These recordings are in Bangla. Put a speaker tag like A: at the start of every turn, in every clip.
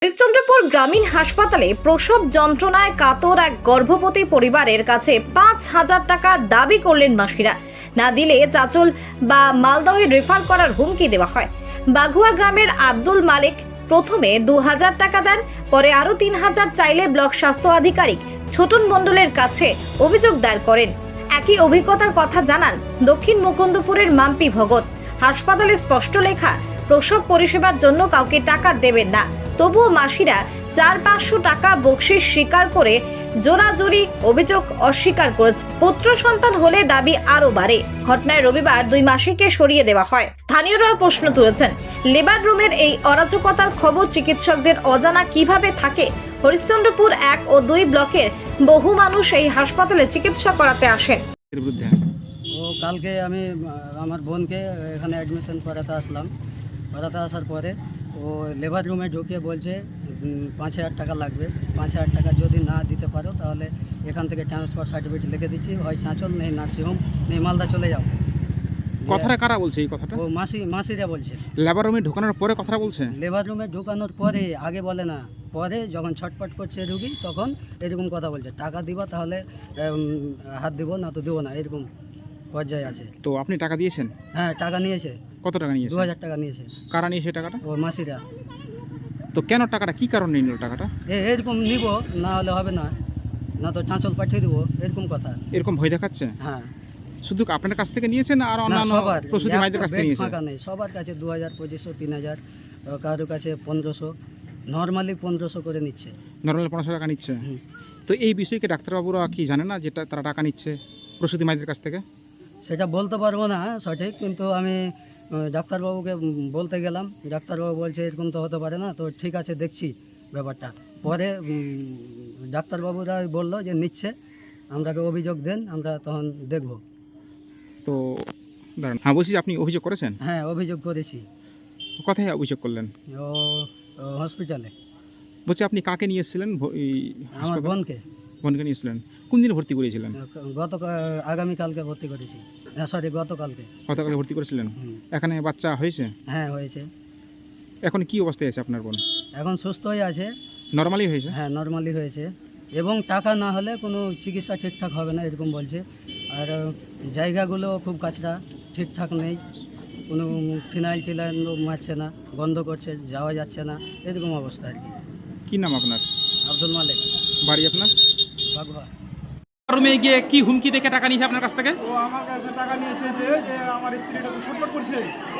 A: হরিশ্চন্দ্রপুর গ্রামীণ হাসপাতালে প্রসব যন্ত্রণায় কাতর এক গর্ভবতী পরিবারের কাছে ৫,০০০ টাকা দাবি করলেন মাসিরা। না দিলে চাঁচল বা মালদহে রেফার করার হুমকি দেওয়া হয়। বাঘুয়া গ্রামের আব্দুল মালিক প্রথমে ২,০০০ টাকা দেন, পরে আরও ৩,০০০ চাইলে ব্লক স্বাস্থ্য আধিকারিক ছোটন মণ্ডলের কাছে অভিযোগ দায়ের করেন। একই অভিজ্ঞতার কথা জানান দক্ষিণ মুকুন্দপুরের মাম্পি ভগত। হাসপাতালে স্পষ্ট লেখা, প্রসব পরিষেবার জন্য কাউকে টাকা দেবেন না। তবুও মাসিরা ৪-৫০০ টাকা বকশিশ স্বীকার করে জোরাজোরি অভিযোগ অস্বীকার করেছে। পুত্র সন্তান হলে দাবি আরও বাড়ে। ঘটনায় রবিবার ২ মাসিকে সরিয়ে দেওয়া হয়। স্থানীয়রা প্রশ্ন তুলেছেন, লেবার রুমের এই অরাজকতার খবর চিকিৎসকদের অজানা কিভাবে থাকে? হরিশ্চন্দ্রপুর ১ ও ২ ব্লকের বহু মানুষ এই হাসপাতালে চিকিৎসা করাতে আসেন।
B: কালকে আমি আমার বোনকে এখানে অ্যাডমিশন করাতে আসলাম। করাতে আসার পরে ও লেবার রুমে ঢুকে বলছে ৫,০০০ টাকা লাগবে। ৫,০০০ টাকা যদি না দিতে পারো তাহলে এখান থেকে ট্রান্সফার সার্টিফিকেট লিখে দিচ্ছি, হয় চাঁচল নেই নার্সিংহোম নেই মালদা চলে যাও।
C: কথাটা কারা বলছে এই কথাটা?
B: ও মাসিরা বলছে।
C: লেবার রুমে ঢোকানোর পরে কথাটা বলছে?
B: লেবার রুমে ঢোকানোর পরে, আগে বলে না, পরে যখন ছটপট করছে রুগী তখন এরকম কথা বলছে, টাকা দিবা তাহলে হাত দিব, না তো দেবো না, এরকম পর্যায়ে আছে।
C: তো আপনি টাকা দিয়েছেন?
B: হ্যাঁ, টাকা নিয়েছে।
C: কত টাকা নিয়েছে?
B: ২,০০০ টাকা নিয়েছে।
C: কারা নিয়েছে টাকাটা?
B: ও মাসিরা।
C: তো কেন টাকাটা, কি কারণে নিল টাকাটা?
B: এরকম নিব, না হলে হবে না, না তো চাঁচল পাঠিয়ে দেবো, এরকম কথা।
C: এরকম ভয় দেখাচ্ছে?
B: হ্যাঁ।
C: শুধু আপনার কাছ থেকে নিয়েছেন আর অন্যান্য প্রসূতি মায়েদের কাছ থেকে নিয়েছেন?
B: ফাঁকা নেই, সবার কাছে ২,০০০, ২৫০০, ৩,০০০, কারোর কাছে ১৫০০, নর্মালি ১৫০০ করে নিচ্ছে।
C: নর্মাল ১৫০০ টাকা নিচ্ছে? তো এই বিষয়কে ডাক্তারবাবুরা কি জানে না যেটা তারা টাকা নিচ্ছে প্রসূতি মায়েদের কাছ থেকে?
B: সেটা বলতে পারবো না সঠিক, কিন্তু আমি ডাক্তারবাবুকে বলতে গেলাম, ডাক্তারবাবু বলছে এরকম তো হতে পারে না। তো ঠিক আছে, দেখছি ব্যাপারটা। পরে ডাক্তারবাবুরা বললো যে নিচ্ছে, আমরাকে অভিযোগ দেন, আমরা তখন দেখব।
C: তো দাঁড়ান, হ্যাঁ বলছি, আপনি অভিযোগ করেছেন?
B: হ্যাঁ, অভিযোগ করেছি।
C: কোথায় অভিযোগ করলেন?
B: ও হসপিটালে।
C: বলছি আপনি কাকে নিয়ে এসেছিলেন?
B: আমার বোনকে।
C: বোনকে নিয়ে এসেছিলেন? কোন দিন ভর্তি করেছিলেন?
B: আগামীকালকে ভর্তি করেছি, সরি গতকালকে।
C: গতকালে ভর্তি করেছিলেন? এখানে বাচ্চা হয়েছে?
B: হ্যাঁ, হয়েছে।
C: এখন কি অবস্থায় আছে আপনার বোন?
B: এখন সুস্থ হয়ে আছে।
C: নর্মালি হয়েছে?
B: হ্যাঁ, নর্মালি হয়েছে, এবং টাকা না হলে কোনো চিকিৎসা ঠিকঠাক হবে না, এরকম বলছে। আর জায়গাগুলো খুব কাছরা, ঠিকঠাক নেই, কোনো ফিনাইল টিনাইল মারছে না, বন্ধ করছে, যাওয়া যাচ্ছে না, এরকম অবস্থা আর কি।
C: কি নাম আপনার?
B: আব্দুল মালিক।
C: বাড়ি আপনার?
B: বাঘুয়া।
C: রুমে গিয়ে কি হুমকি দেখে টাকা নিয়েছে আপনার কাছ থেকে?
D: ও আমার কাছে টাকা নিয়েছে যে আমার স্ত্রীটা তো ছটফট করছে,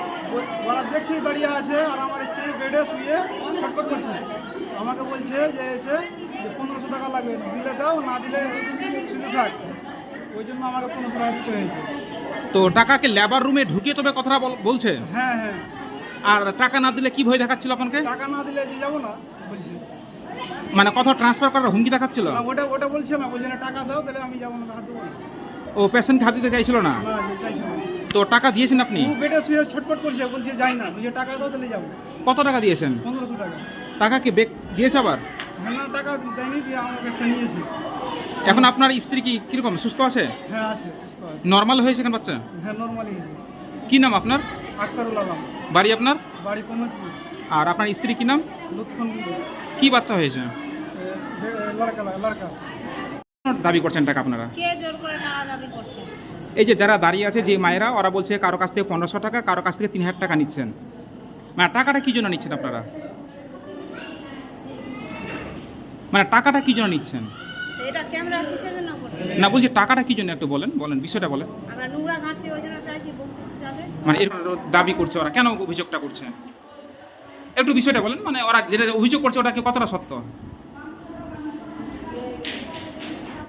D: ওরা দেখছি দাঁড়িয়ে আছে, আর আমার স্ত্রী বেডে শুয়ে ছটফট করছে। আমাকে বলছে যে এসে যে ১৫০০ টাকা লাগবে, দিলে দাও, না দিলে শুধু থাক। ওই জন্য আমাকে ১৫০০ টাকা দিতে হয়েছে।
C: তো টাকাকে লেবার রুমে ঢুকিয়ে তবে কথাটা বলছে?
D: হ্যাঁ হ্যাঁ।
C: আর টাকা না দিলে কি ভয় দেখাচ্ছিল আপনাকে?
D: টাকা না দিলে যে যাবো না বলছে।
C: মানে কথা ট্রান্সফার করার হুমকি দেখাচ্ছিল?
D: না, ওটা বলছে না, বলছে না টাকা দাও, তাহলে আমি যাবো না, হাত দেবো না।
C: ও পেশেন্টকে হাত দিতে চাইছিল না?
D: না, চাইছে না।
C: তো টাকা দিয়েছেন আপনি?
D: ও বেডে শুয়ে ছটফট করছে, বলছে যাই না, বলছে টাকা দাও, তাহলে যাবো।
C: কত টাকা দিয়েছেন?
D: ১৫০০ টাকা।
C: টাকা কি বেক দিয়েছে আবার?
D: হ্যাঁ, না, টাকা দেয়নি, দিয়ে আমার কাছে নিয়েছে।
C: এখন আপনার স্ত্রী কি কিরকম, সুস্থ আছে?
D: হ্যাঁ, আছে, সুস্থ আছে।
C: নর্মাল হয়েছে এখন বাচ্চা?
D: হ্যাঁ, নর্মালি হয়েছে।
C: কি নাম আপনার?
D: আক্তারুল আলম।
C: বাড়ি আপনার?
D: বাড়ি কমলপুর।
C: আর আপনার স্ত্রী কি নাম?
D: লুৎফুন।
C: কি বাচ্চা হয়েছে?
D: লড়কা।
C: দাবি করছেন টাকা আপনারা?
E: কে জোর করে টাকা দাবি করছে?
C: এই যে যারা দাঁড়িয়ে আছে, যে মায়েরা, ওরা বলছে কারো কাছ থেকে ১৫০০ টাকা, কারো কাছ থেকে ৩,০০০ টাকা নিচ্ছেন। মানে টাকাটা কি জন্য নিচ্ছেন আপনারা? মানে টাকাটা কি জন্য নিচ্ছেন?
E: তো এটা ক্যামেরা কিসের জন্য করছে?
C: না, বলছি টাকাটা কি জন্য, একটু বলেন বিষয়টা বলেন।
E: আমরা নোংরা ঘাটছি, ওই জন্য চাইছি বকশিশ হিসাবে।
C: মানে এর দাবি করছে ওরা, কেন অভিযোগটা করছে একটু বিষয়টা বলেন। মানে ওরা যেটা অভিযোগ করছে ওটা কি কতটা সত্য?